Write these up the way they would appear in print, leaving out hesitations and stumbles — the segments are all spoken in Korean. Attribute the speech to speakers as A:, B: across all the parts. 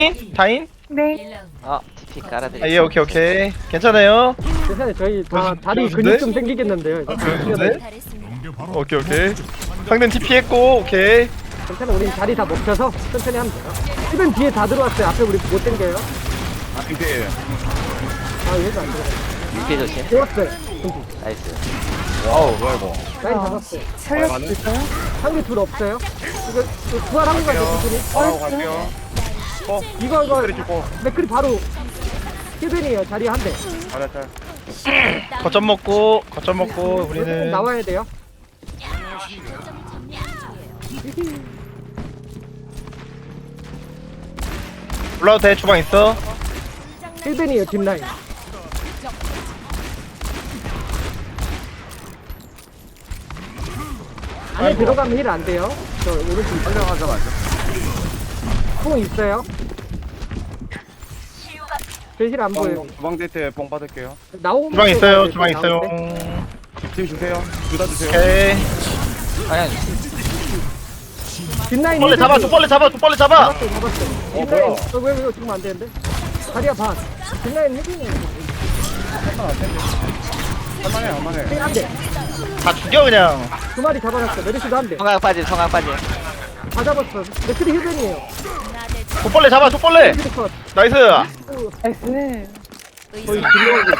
A: 다인?
B: 네.
C: TP 깔아드릴게요.
A: 아, 예, 오케이. 괜찮아요.
D: 괜찮아요. 저희 다 다리
A: 좋은데?
D: 근육 좀 생기겠는데요. 이거.
A: 네? 오케이. 상대는 TP 했고, 오케이.
D: 괜찮아. 우린 자리 다 먹혀서 천천히 하면 돼요. 1번 뒤에 다 들어왔어요. 앞에 우리 못 당겨요.
E: 이게
D: 아 얘도 안 들어가.
C: TP 조심.
D: 좋았어요.
C: 나이스.
E: 와우 뭐야 이거
D: 라인 잡았어요.
B: 살려주실까요?
D: 상대 둘 없어요. 이거 부활한 거 같아요. 둘이.
E: 바로 갈게요
D: 이거
E: 그래 죽고
D: 맥클이 바로 힐벤이에요. 자리 한 대.
E: 잘했다
A: 거점 먹고,
D: 우리는
A: 우리는.
D: 나와야 돼요.
A: 올라도 돼, 주방 있어.
D: 힐벤이에요. 뒷라인. 안에 들어가면 힐 안 돼요. 저 오른쪽
E: 빨려가자마자
D: 뽕 있어요. 저 힐 안 보여요.
E: 주방 데이트에 뽕 받을게요
D: 나오면
A: 주방 있어요,
D: 힐
A: 주방
D: 나올
A: 있어요.
D: 때.
E: 팀 주세요 둘 다 주세요
A: 오케이.
C: 방향
D: 뒷라인
A: 벌레 잡아,
D: 힐벤이-
A: 두벌레 잡아.
D: 잡았어.
E: 뭐야?
D: 뒷라인 왜 죽으면 안 되는데? 다리야 반. 뒷라인 힐벤이에요.
E: 할만해
D: 힐 한 대.
A: 다 죽여, 그냥.
D: 두 마리 잡아놨어. 메르시도 한 대.
C: 성강 빠짐.
D: 다 잡았어. 맥클이 힐벤이에요.
A: 두벌레 잡아, 두벌레.
D: 힐 컷.
A: 나이스.
B: 나이스.
D: 거의 딜러고.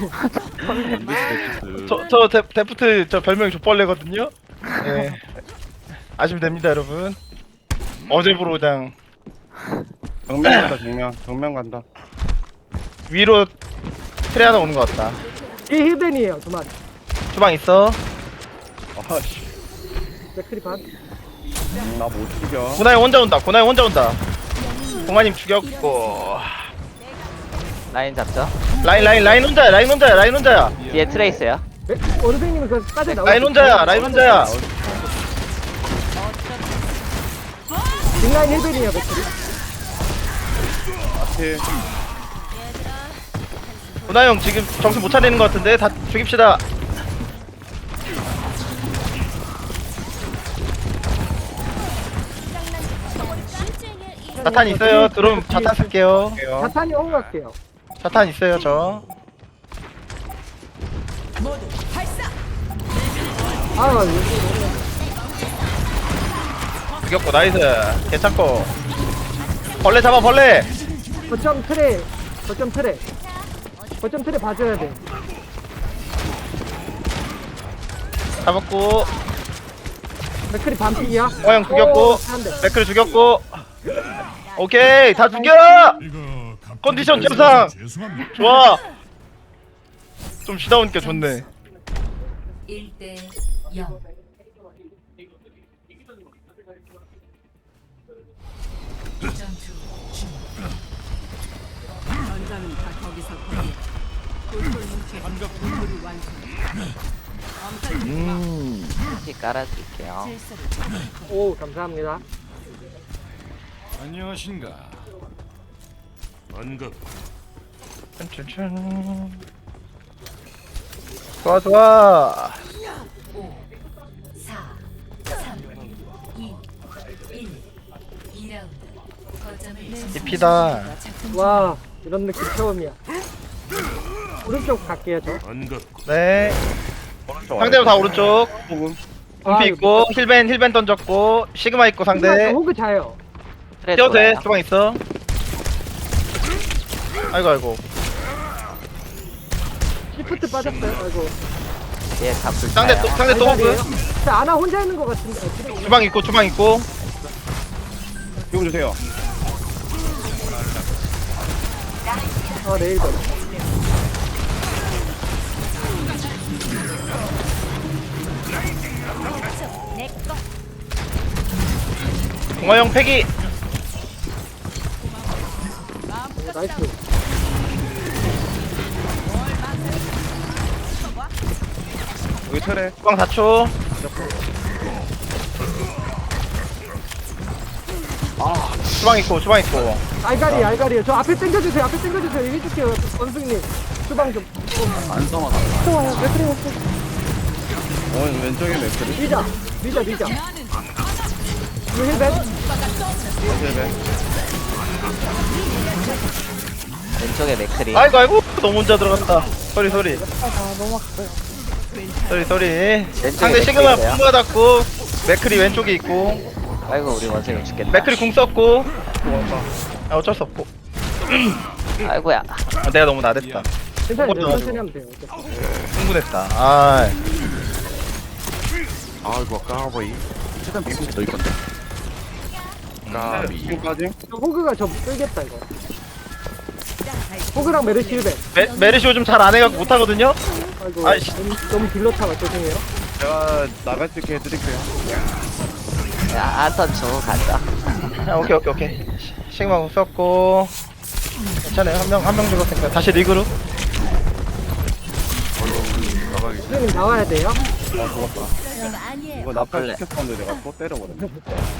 A: 데프트 저 별명이 족벌레거든요. 예. 아시면 됩니다, 여러분. 어제부로 그냥
E: 정면 간다 정면 간다
A: 위로 트레 하나 오는 것 같다.
D: 이 힐벤이에요. 두 마리.
A: 주방 있어.
E: 아씨
D: 맥클이 반.
E: 나못 죽여
A: 고나이 혼자 온다. 동아님 죽였고.
C: 라인 잡죠.
A: 라인 혼자야.
C: 뒤에 트레이스요.
D: 어르생님은 그 빠져 나오고.
A: 라인 혼자야.
D: 뒷라인 힐벤이에요. 맥클이.
E: 앞에
A: 고나이 형 지금 정신 못 차리는 것 같은데 다 죽입시다. 자탄 있어요. 그럼 자탄 쓸게요.
E: 갈게요
D: 자탄이 오고 갈게요.
A: 자탄 있어요, 저.
D: 아, 여기
A: 죽였고, 나이스. 괜찮고. 벌레 잡아, 벌레.
D: 거점 트레 봐줘야 돼.
A: 잡았고.
D: 맥클이 반피야.
A: 형 죽였고.
D: 한 대.
A: 맥크를 죽였고. 오케이, 다 죽여! 컨디션 정상! 좋아! 좀 쉬다 오니까 좋네.
F: 1대 0. 전투 중. 전장은 다 거기서 거기야. 골골뭉쳐 공물을 완성.
C: TP 깔아드릴게요.
D: 오, 감사합니다.
G: 안녕하신가. 반갑.
A: 짠짠짠. 좋아.
F: 5, 4, 3, 2, 1. 2라운드. 거점을
A: TP다.
D: 와, 이런 느낌 처음이야. 오른쪽 갈게요, 저.
G: 반갑.
A: 네. 상대도 다 오른쪽.
E: 조금
A: 공피 있고, 힐벤 던졌고, 시그마 있고, 상대.
D: 호그 자요.
C: 트레
A: 뛰어도 돼,
C: 돌아요.
A: 주방 있어. 아이고.
D: 시프트 빠졌어요. 아이고.
C: 뒤에 다 불.
A: 상대 또 호그.
D: 저 아나 혼자 있는 것 같은데. 아, 그래.
A: 주방 있고.
E: 이거 주세요
D: 아, 내일 거.
A: 동아형 패기.
D: 오, 나이스.
E: 여기 틀에
A: 주방 4초. 주방 있고.
D: 알가리요. 저 앞에 당겨주세요. 여기 해줄게요. 원숭이님. 주방 좀.
E: 안 써마
D: 또 와요. 맥클이 왔어.
E: 왼쪽에 맥크리
D: 미자. 이거 힐벤.
E: 어제네
C: 왼쪽에 맥크리.
A: 아이고 아이고 너무 혼자 들어갔다. 소리 소리
B: 아, 너무 아까요.
A: 소리. 상대 시그마
C: 맥크리예요?
A: 풍 받았고 맥크리 왼쪽에 있고
C: 아이고 우리 원숭이 죽겠다.
A: 맥크리 궁 썼고 아 어쩔 수 없고
C: 아이고야.
A: 아, 내가 너무 나댔다.
D: 괜찮아요.
A: 그것도
D: 천천히 하면 돼요.
A: 흥분했다. 아
G: 아이고 까보이 최대한 밀고 너희 건데 까비
E: 지금까지?
D: 호그가 저 끌겠다 이거. 호그랑 메르시 1배.
A: 메르시오 좀 잘 안 해갖고 못하거든요.
D: 아이고
A: 아이씨.
D: 너무 딜러타가 죄송해요.
E: 제가 나갈 수 있게 해드릴게요.
C: 야 안턴 주고 가자.
A: 아, 오케이. 시그마 궁 썼고 괜찮아요. 한 명 죽었으니까 다시 리그로.
G: 나가기
D: 선생님 나와야 돼요.
E: 아 죽었다. 이거 나팔
C: 원래.
E: 시켰었는데 내가 또 때려버렸네.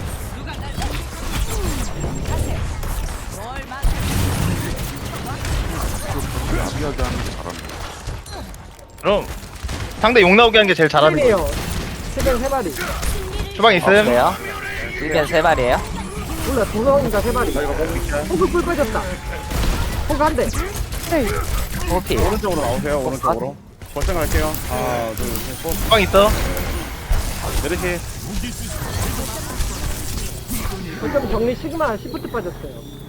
G: 아비하게 하는 게 잘하는
A: 그럼 상대 욕 나오게 하는 게 제일 잘하는 거예요.
D: 팀이에요. 최근 3마리.
A: 주방 있음.
C: 없어요? 1변 3마리에요?
D: 몰라 2명인가 3마리.
E: 나 이거 먹고 있게.
D: 호그 꿀 빠졌다. 호그 한 대.
C: 호피.
E: 오른쪽으로 나오세요. 오른쪽으로. 벌써 갈게요. 하나, 둘, 셋, 넷.
A: 주방 있어.
E: 메르시.
D: 거점 정리 시그마 시프트 빠졌어요.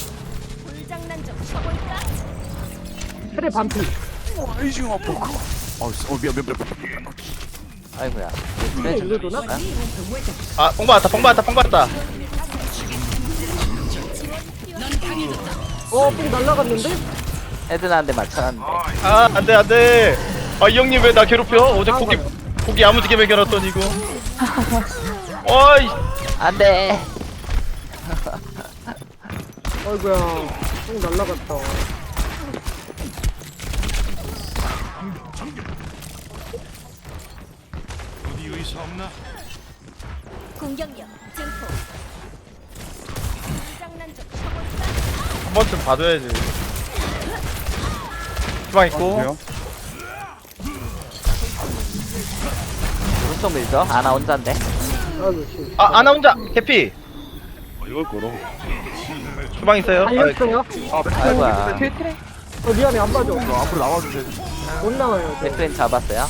D: 트레 반피.
G: 아이징 아파 미안
C: 아이고야.
D: 트레 일로 도나?
A: 아 뽕 받았다.
D: 뽕 날라갔는데?
C: 헤드나한테 맞춰놨는데.
A: 아 안돼. 아 이 형님 왜 나 괴롭혀? 어제 고기 야무지게 먹여놨더니 이거. 어이.
C: 안돼.
D: 어이구야. 뽕 날라갔다.
H: 공격력 증폭. 장난좀
A: 한 번쯤 봐줘야지. 주방 있고.
E: 돼요?
C: 오른쪽 밀죠? 아나 혼자인데.
D: 아이고 씨.
A: 아 아나 혼자 캐피.
E: 이걸 끌어.
A: 주방 있어요.
D: 달렸어요?
C: 아이고야.
B: 뒤에 트레.
D: 미안해 안 맞아.
G: 앞으로 나와주세요
D: 못 나와요.
C: 맥크린 잡았어요?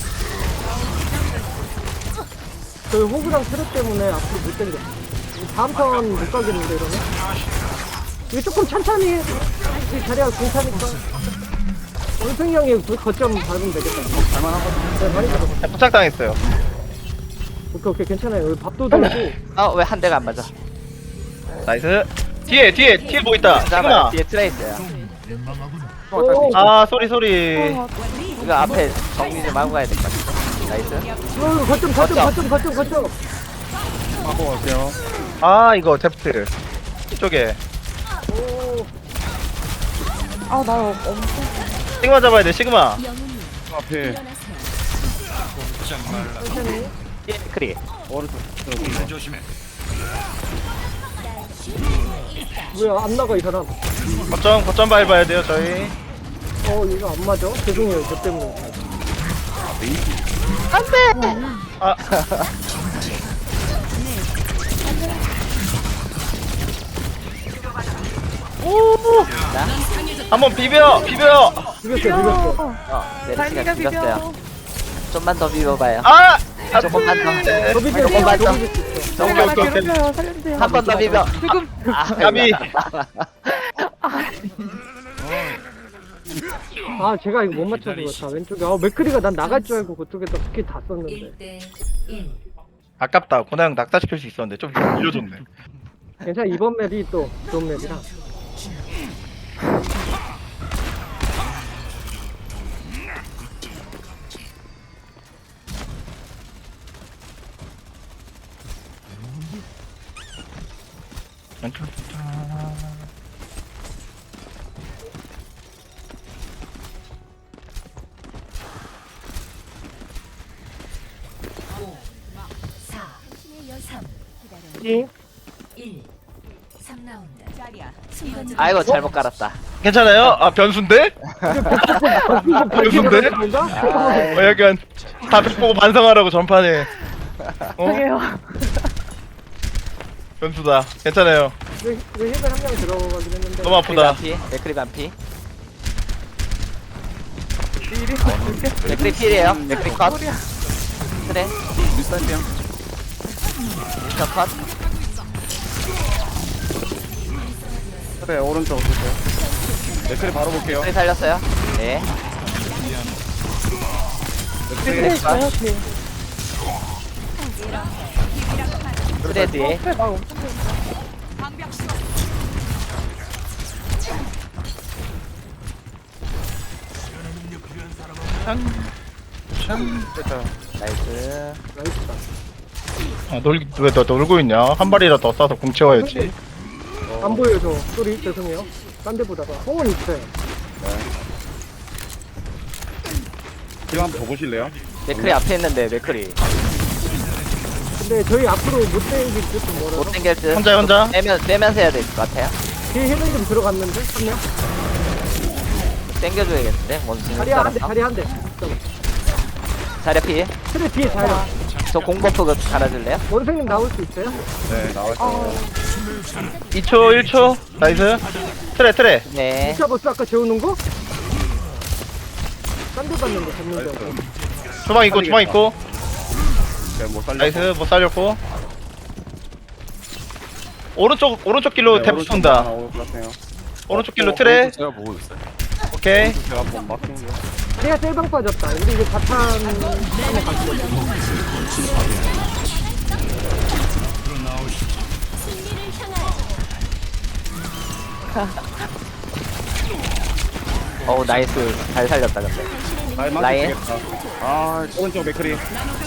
D: 저희 호그랑 트레 때문에 앞으로 못 당겨. 다음 턴 못 가겠는데 이러면? 이거 조금 천천히 해. 이 자리가 괜찮으니까. 원승이 형이 거점 밟으면 되겠다. 네, 많이 잡았어.
A: 부착당했어요.
D: 오케이 괜찮아요. 여기 밥도 들고.
C: 아 왜 한 대가 안 맞아?
A: 나이스. 뒤에 뭐 있다.
C: 잡아요.
A: 시그마.
C: 뒤에 트레 있어요.
D: 오,
A: 아 소리.
C: 이거 앞에 정리 좀 하고 가야 될 것 같아. 나이스.
D: 거점.
E: 하고 갈게요.
A: 아 이거 데프트. 이쪽에.
D: 오,
B: 아, 나 엄청.
A: 시그마 잡아야 돼. 시그마.
H: 영웅님
E: 앞에
H: 일어나세요.
D: 천천히.
C: 뒤에 맥크리.
E: 오른쪽.
D: 뭐야 안 나가 이 사람.
A: 거점 밟아야 돼요 저희.
D: 이거 안 맞아? 죄송해요 저 때문에.
A: 아
C: 자.
A: 한번 비벼.
D: 비겼어.
C: 메르시가
B: 달리가
C: 죽였어요.
B: 비벼.
C: 좀만 더 비벼봐요.
A: 아.
C: 조금만 더.
D: 저 비벼.
C: 조금만 더.
D: 저 비벼.
B: 트레가 나
A: 오케이.
B: 괴롭혀요. 살려주세요.
C: 한 번 더 비벼.
B: 지금.
C: 아,
A: 까비.
D: 아 제가 이거 못 맞춰서 그렇다. 왼쪽에. 맥크리가 난 나갈 줄 알고 그쪽에다 스킬 다 썼는데.
A: 아깝다. 고나 형 낙사시킬 수 있었는데 좀 밀려줬네.
D: 괜찮아 이번 맵이 또 좋은 맵이라. 응?
H: 3라운드. 자리야.
C: 아이고 잘못 깔았다.
A: 괜찮아요? 아 변수인데? 변수인데? 약간 다백 보고 반성하라고 전판에. 어?
B: 저게요.
A: 변수다. 괜찮아요.
D: 왜 힐을 한 명 들어가긴 했는데.
A: 너무 아프다.
C: 맥크리 반피. 맥크리 필이에요. 맥크리 컷. 그래.
G: 윈스턴이야.
C: 미스터 컷.
E: 그래, 오른쪽 보세요. 맥클이 바로 볼게요.
C: 맥크리 살렸어요. 네.
B: 네, 저요, 뒤에.
C: 그래 뒤에.
B: 막 엄청 돼.
E: 됐다.
C: 나이스.
D: 나이스다.
A: 왜너 놀고 있냐? 한 발이라 더 쏴서 공 채워야지.
D: 안 보여요, 저. 소리 죄송해요. 딴 데 보다가. 홍은 있어요.
E: 지금 한번 보실래요?
C: 맥크리 앞에 있는데 맥크리
D: 근데 저희 앞으로 못 당길 듯
C: 못
D: 멀어서.
C: 당길 듯.
A: 혼자.
C: 빼면서 해야 될 것 같아요.
D: 뒤에 힐은 좀 들어갔는데? 한 명?
C: 당겨줘야겠는데 원숭이.
D: 자리 한 대, 자리 한 대.
C: 자리 피.
D: 트레 뒤에 자리.
C: 저 공버프 갈아줄래요?
D: 원생님 나올 수 있어요?
E: 네, 나왔어요.
A: 2초 1초. 나이스. 트레.
C: 네.
D: 진짜 버스 아까 재우는 거? 딴 데 봤는데, 잡는데.
A: 주방 있고.
E: 제가 못 살려.
A: 나이스. 못 살렸고. 오른쪽 길로 탭 쏜다. 오른쪽 길로 트레.
G: 제가 보고 있어요.
A: 오케이.
E: 제가 한번 막힌 거.
D: 제가 셀방 빠졌다. 우리 이제 자탄 한번 가지고.
H: 승리를 향하여
C: 어우 나이스. 잘 살렸다 근데.
E: 라인
C: 라인.
E: 막히겠다. 아, 오른쪽 맥클이.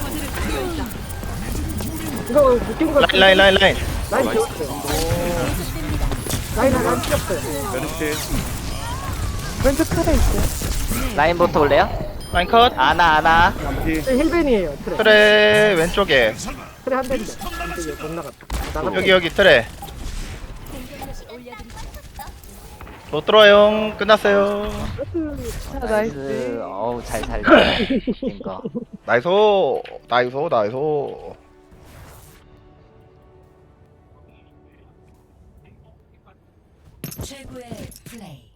D: 이거 웃긴 거.
A: 라인.
D: 라인 재웠어요. 라인 피었어요.
E: 메르시.
B: 왼쪽 틀에 있어요.
C: 라인부터 올래요?
A: 라인 컷.
C: 아나.
E: 잠시.
D: 네, 힐벤이에요, 트레.
A: 트레 왼쪽에.
D: 트레 한 대인데. 이쪽에 못 나갔다. 나갔다.
A: 여기 트레.
H: 공격력이 올려드리죠.
A: 못 들어와요. 끝났어요.
B: 아,
C: 나이스.
B: 나이스.
C: 어우 잘 살렸다. 이거.
A: 나이스.
H: 최고의 플레이.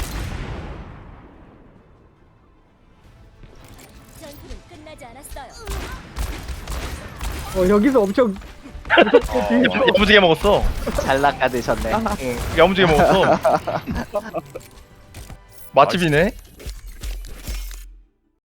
H: 전투는 끝나지 않았어요.
D: 여기서 엄청.
A: 야무지게 먹었어.
C: 잘 낚아드셨네.
A: 야무지게 먹었어. 맛집이네.